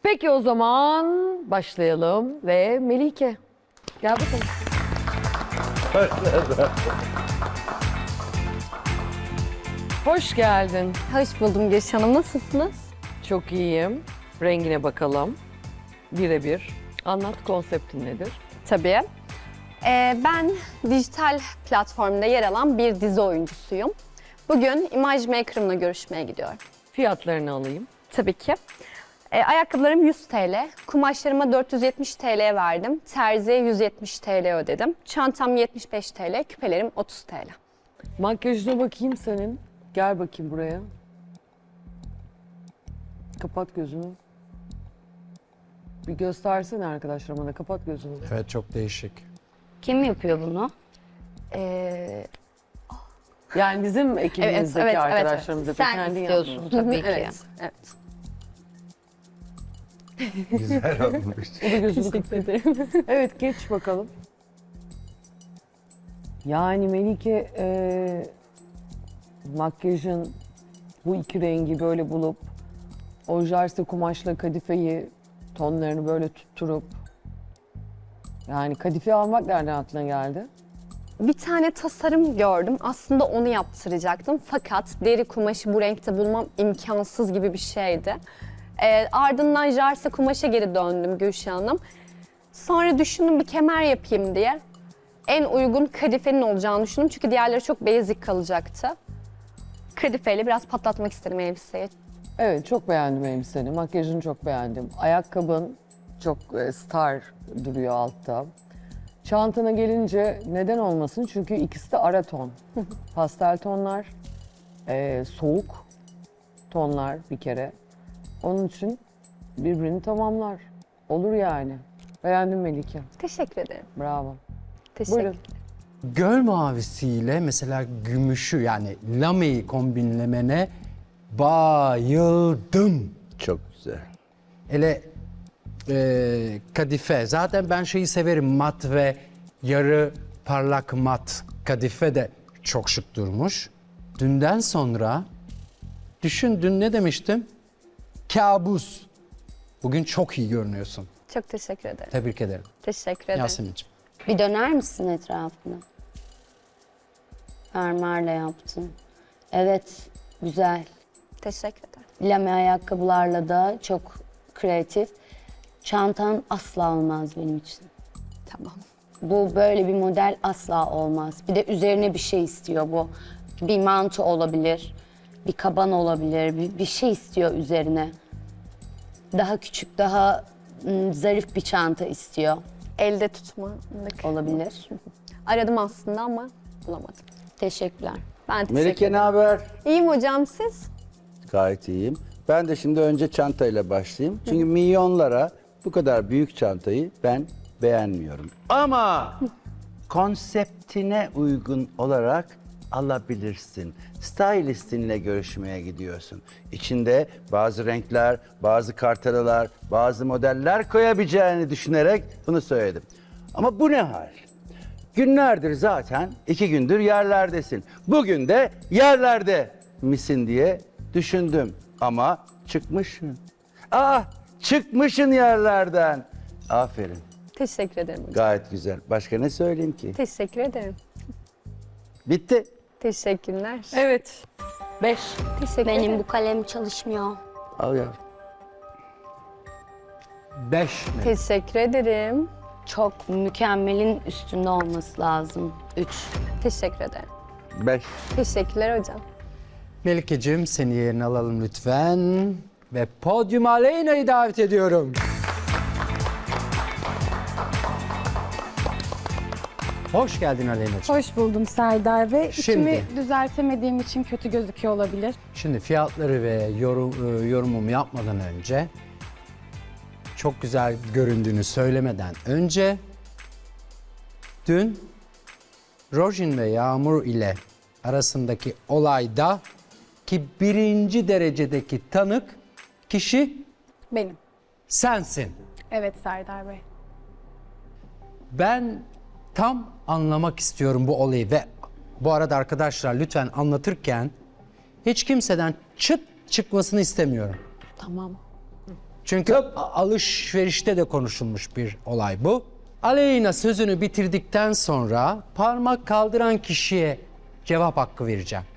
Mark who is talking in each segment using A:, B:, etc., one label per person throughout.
A: Peki o zaman başlayalım ve Melike. Gel bakalım. Hoş geldin.
B: Hoş buldum Gülşah Hanım. Nasılsınız?
A: Çok iyiyim. Rengine bakalım. Birebir. Anlat, konseptin nedir?
B: Tabii. Ben dijital platformda yer alan bir dizi oyuncusuyum. Bugün Image Maker'ımla görüşmeye gidiyorum.
A: Fiyatlarını alayım.
B: Tabii ki. Ayakkabılarım 100 TL, kumaşlarıma 470 TL verdim, terziye 170 TL ödedim. Çantam 75 TL, küpelerim 30 TL.
A: Makyajına bakayım senin. Gel bakayım buraya. Kapat gözünü. Bir göstersene arkadaşlarıma da. Kapat gözünü.
C: Evet, çok değişik.
D: Kim yapıyor bunu?
A: Yani bizim ekibimizdeki
B: evet,
A: arkadaşlarımız da
D: Sen
A: kendi
D: istiyorsun
A: yapmıyor.
D: tabii ki.
B: Evet, evet.
C: Güzel olmuş.
A: O da gözünü kapattı. Evet, geç bakalım. Yani Melike, makyajın bu iki rengi böyle bulup ojarse kumaşla kadifeyi tonlarını böyle tutturup yani kadife almak nereden aklına geldi?
B: Bir tane tasarım gördüm. Aslında onu yaptıracaktım. Fakat deri kumaşı bu renkte bulmam imkansız gibi bir şeydi. Ardından jarse kumaşa geri döndüm Gülşah Hanım. Sonra düşündüm bir kemer yapayım diye. En uygun kadifenin olacağını düşündüm. Çünkü diğerleri çok basic kalacaktı. Kadifeyle biraz patlatmak istedim elbiseyi.
A: Evet, çok beğendim elbiseni. Makyajını çok beğendim. Ayakkabın çok star duruyor altta. Çantana gelince neden olmasın? Çünkü ikisi de ara ton. Pastel tonlar, soğuk tonlar bir kere. Onun için birbirini tamamlar. Olur yani. Beğendim Melike.
B: Teşekkür ederim.
A: Bravo.
B: Teşekkür
A: Buyurun.
C: Göl mavisiyle mesela gümüşü yani lameyi kombinlemene bayıldım.
E: Çok güzel.
C: Hele kadife. Zaten ben şeyi severim, mat ve yarı parlak mat. Kadife de çok şık durmuş. Dünden sonra düşün, dün ne demiştim? Kabus. Bugün çok iyi görünüyorsun.
B: Çok teşekkür ederim.
C: Tebrik ederim.
B: Teşekkür ederim.
C: Yasemin'ciğim.
D: Bir döner misin etrafına? Fermuarla yaptın. Evet, güzel.
B: Teşekkür ederim.
D: Lame ayakkabılarla da çok kreatif. Çantan asla olmaz benim için.
B: Tamam.
D: Bu böyle bir model asla olmaz. Bir de üzerine bir şey istiyor bu. Bir mantı olabilir, bir kaban olabilir, bir şey istiyor üzerine. Daha küçük, daha zarif bir çanta istiyor.
B: Elde tutmalık.
D: Olabilir.
B: Aradım aslında ama bulamadım.
D: Teşekkürler.
B: Ben teşekkür
E: Melike ne
B: ederim.
E: haber?
B: İyiyim hocam siz?
E: Gayet iyiyim. Ben de şimdi önce çantayla başlayayım. Çünkü milyonlara bu kadar büyük çantayı ben beğenmiyorum. Ama konseptine uygun olarak alabilirsin. Stylistinle görüşmeye gidiyorsun. İçinde bazı renkler, bazı kartelalar, bazı modeller koyabileceğini düşünerek bunu söyledim. Ama bu ne hal? Günlerdir zaten 2 gündür yerlerdesin. Bugün de yerlerde misin diye düşündüm. Ama çıkmışsın. Çıkmışsın yerlerden. Aferin.
B: Teşekkür ederim hocam.
E: Gayet güzel. Başka ne söyleyeyim ki?
B: Teşekkür ederim.
E: Bitti.
B: Teşekkürler.
A: Evet. 5.
B: Teşekkür
D: Benim
B: ederim.
D: bu kalem çalışmıyor.
E: Al yavrum.
C: 5
B: Teşekkür ederim.
D: Çok mükemmelin üstünde olması lazım. 3.
B: Teşekkür ederim.
E: 5.
B: Teşekkürler hocam.
C: Melike'cim, seni yerine alalım lütfen. Ve podyuma Aleyna'yı davet ediyorum. Hoş geldin Aleyna'cığım.
F: Hoş buldum Serdar ve
C: Şimdi.
F: içimi düzeltemediğim için kötü gözüküyor olabilir.
C: Şimdi fiyatları ve yorumumu yapmadan önce, çok güzel göründüğünü söylemeden önce, dün Rojin ve Yağmur ile arasındaki olayda ki birinci derecedeki tanık kişi
F: Benim.
C: sensin.
F: Evet Serdar Bey.
C: Ben tam anlamak istiyorum bu olayı ve bu arada arkadaşlar lütfen anlatırken hiç kimseden çıt çıkmasını istemiyorum.
A: Tamam.
C: Çünkü alışverişte de konuşulmuş bir olay bu. Aleyna sözünü bitirdikten sonra parmak kaldıran kişiye cevap hakkı vereceğim.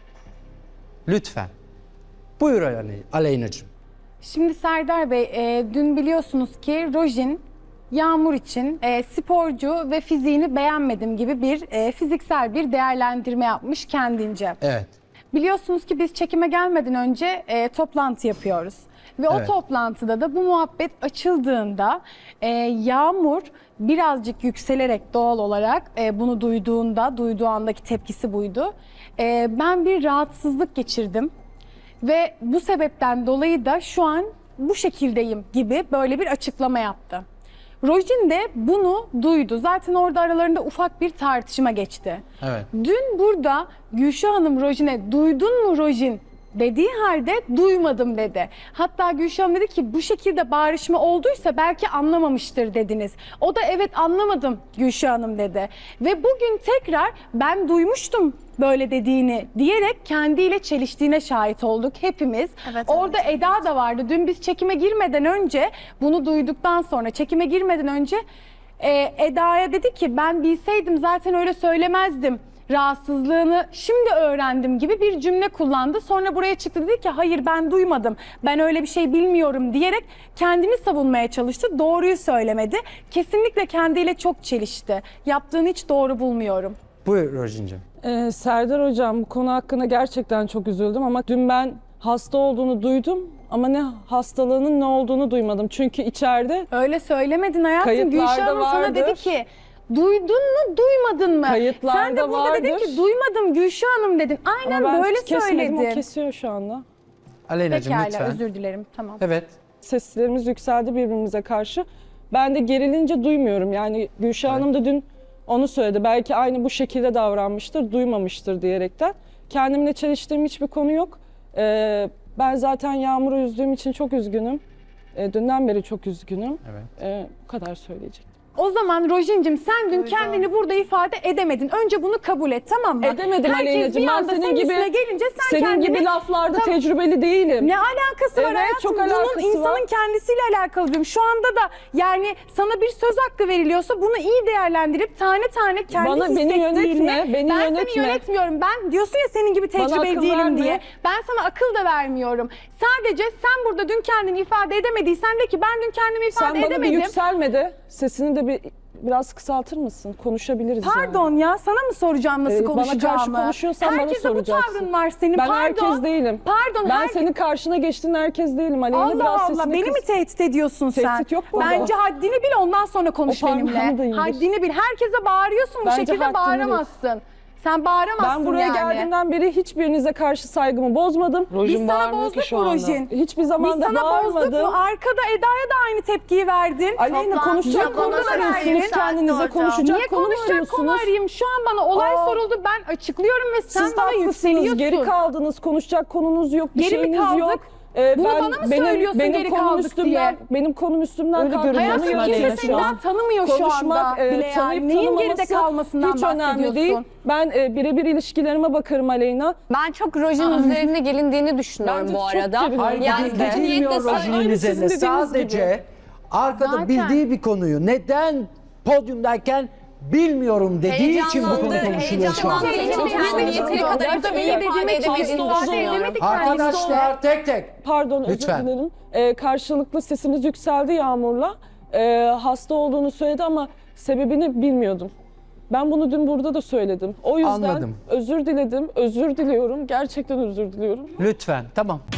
C: Lütfen. Buyur Aleyna'cığım.
F: Şimdi Serdar Bey, dün biliyorsunuz ki Rojin Yağmur için sporcu ve fiziğini beğenmedim gibi bir fiziksel bir değerlendirme yapmış kendince.
C: Evet.
F: Biliyorsunuz ki biz çekime gelmeden önce toplantı yapıyoruz. Ve o
C: Evet.
F: toplantıda da bu muhabbet açıldığında Yağmur birazcık yükselerek doğal olarak bunu duyduğu andaki tepkisi buydu. Ben bir rahatsızlık geçirdim ve bu sebepten dolayı da şu an bu şekildeyim gibi böyle bir açıklama yaptı. Rojin de bunu duydu. Zaten orada aralarında ufak bir tartışma geçti.
C: Evet.
F: Dün burada Gülşah Hanım Rojin'e duydun mu Rojin dediği halde duymadım dedi. Hatta Gülşah Hanım dedi ki bu şekilde bağırışma olduysa belki anlamamıştır dediniz. O da evet anlamadım Gülşah Hanım dedi. Ve bugün tekrar ben duymuştum böyle dediğini diyerek kendiyle çeliştiğine şahit olduk hepimiz. Orada Eda da vardı. Dün biz çekime girmeden önce bunu duyduktan sonra çekime girmeden önce Eda'ya dedi ki ben bilseydim zaten öyle söylemezdim. Rahatsızlığını şimdi öğrendim gibi bir cümle kullandı. Sonra buraya çıktı dedi ki hayır ben duymadım. Ben öyle bir şey bilmiyorum diyerek kendini savunmaya çalıştı. Doğruyu söylemedi. Kesinlikle kendiyle çok çelişti. Yaptığını hiç doğru bulmuyorum.
C: Buyur Rojin'cim.
G: Serdar Hocam bu konu hakkında gerçekten çok üzüldüm ama dün ben hasta olduğunu duydum ama ne hastalığının ne olduğunu duymadım. Çünkü içeride
F: Öyle söylemedin hayatım.
G: Kayıtlarda
F: Gülşah Hanım sana
G: vardır.
F: dedi ki duydun mu duymadın mı?
G: Kayıtlarda
F: Sen de burada dedin
G: vardır.
F: ki duymadım Gülşah Hanım dedin. Aynen
G: ama ben
F: böyle
G: kesmedim, o
F: söyledin.
G: kesiyor şu anda.
C: Aleyna'cığım
F: Pekala
C: lütfen.
F: özür dilerim tamam.
C: Evet.
G: Seslerimiz yükseldi birbirimize karşı. Ben de gerilince duymuyorum. Yani Gülşah Hanım da dün onu söyledi. Belki aynı bu şekilde davranmıştır, duymamıştır diyerekten. Kendimle çeliştiğim hiçbir konu yok. Ben zaten Yağmur'u üzdüğüm için çok üzgünüm. Dünden beri çok üzgünüm.
C: Evet.
G: Bu kadar söyleyecektim.
F: O zaman Rojin'cim sen dün kendini burada ifade edemedin. Önce bunu kabul et tamam mı?
G: Edemedim
F: Herkes
G: Aleyna'cığım.
F: bir
G: Ben
F: anda
G: senin gibi
F: gelince sen
G: senin
F: kendini...
G: gibi laflarda
F: Tabii.
G: tecrübeli değilim.
F: Ne alakası var
G: Evet,
F: hayatım?
G: çok
F: Bunun
G: alakası
F: insanın
G: var.
F: kendisiyle alakalı diyorum. Şu anda da yani sana bir söz hakkı veriliyorsa bunu iyi değerlendirip tane tane kendi
G: Beni
F: hissettiğini...
G: yönetme, beni
F: ben
G: yönetme.
F: seni yönetmiyorum. Ben diyorsun ya senin gibi
G: Bana
F: tecrübeli
G: akıl
F: değilim
G: verme.
F: diye. Ben sana akıl da vermiyorum. Sadece sen burada dün kendini ifade edemediysen de ki ben dün kendimi ifade
G: Sen bana bir
F: edemedim.
G: yükselme de sesini de biraz kısaltır mısın? Konuşabiliriz
F: Pardon ya sana mı soracağım nasıl
G: Bana
F: konuşacağımı?
G: karşı konuşuyorsan bana
F: Herkese
G: soracaksın.
F: bu tavrın var senin.
G: Ben
F: Pardon.
G: herkes değilim.
F: Pardon.
G: Ben senin karşına geçtiğin herkes değilim. Aleyna
F: Allah
G: biraz
F: Allah
G: sesini
F: beni mi tehdit ediyorsun sen?
G: Tehdit yok burada.
F: Bence haddini bil ondan sonra konuş
G: O parmağını
F: benimle.
G: da indir.
F: Haddini bil. Herkese bağırıyorsun bu
G: Bence
F: şekilde
G: haddini
F: bağıramazsın. Sen bağıramazsın
G: Ben buraya
F: yani.
G: geldiğimden beri hiçbirinize karşı saygımı bozmadım.
F: Biz sana bozduk mu Rojin?
G: Hiçbir zaman
F: Biz
G: da
F: sana bozduk
G: bağırmadım.
F: mu? Arkada Eda'ya da aynı tepkiyi verdin.
G: Aleyna konuşacak
F: Dün
G: konu
F: konuda da
G: arıyorsunuz
F: verdin.
G: kendinize. Konuşacak
F: Niye
G: konu
F: konuşacak konu
G: arıyorsunuz.
F: arayayım? Şu an bana olay soruldu. Ben açıklıyorum ve sen
G: Siz de
F: bana
G: haklısınız.
F: yükseliyorsun.
G: Geri kaldınız. Konuşacak konunuz yok. Bir
F: Geri mi
G: şeyiniz
F: kaldık?
G: yok.
F: Bunu bana mı söylüyorsun geri
G: konum
F: kaldık
G: üstümden,
F: diye?
G: Benim konum üstümden kalkmanı
F: Hayatım kimse
G: Aleyna şu
F: seni
G: an.
F: daha tanımıyor şu
G: Konuşmak,
F: anda bile
G: tanıyıp
F: yani. Neyin geride
G: tanımaması
F: kalmasından
G: hiç
F: bahsediyorsun?
G: önemli değil. Ben birebir ilişkilerime bakarım Aleyna.
B: Ben çok Rojin üzerine gelindiğini düşünüyorum
G: Bence
B: bu
G: çok
B: arada.
G: gerildim.
C: Hayır,
B: Yani
C: yani
B: kötü
C: bilmiyor
B: niyetle
C: Rojin'in
G: Aynı
C: üzerine.
G: sizin dediğiniz
C: Sadece arkada
F: Zaten.
C: bildiği bir konuyu neden podyumdayken bilmiyorum dediği için bu konu konuşuluyor şu an.
B: Yeteri kadar
G: Gerçekten
B: iyi ifade edemediğini düşünüyorum.
C: Arkadaşlar tek tek.
G: Pardon
C: Lütfen.
G: özür dilerim. Karşılıklı sesimiz yükseldi Yağmur'la. Hasta olduğunu söyledi ama sebebini bilmiyordum. Ben bunu dün burada da söyledim. O yüzden
C: Anladım.
G: özür diledim, özür diliyorum. Gerçekten özür diliyorum.
C: Lütfen. Tamam.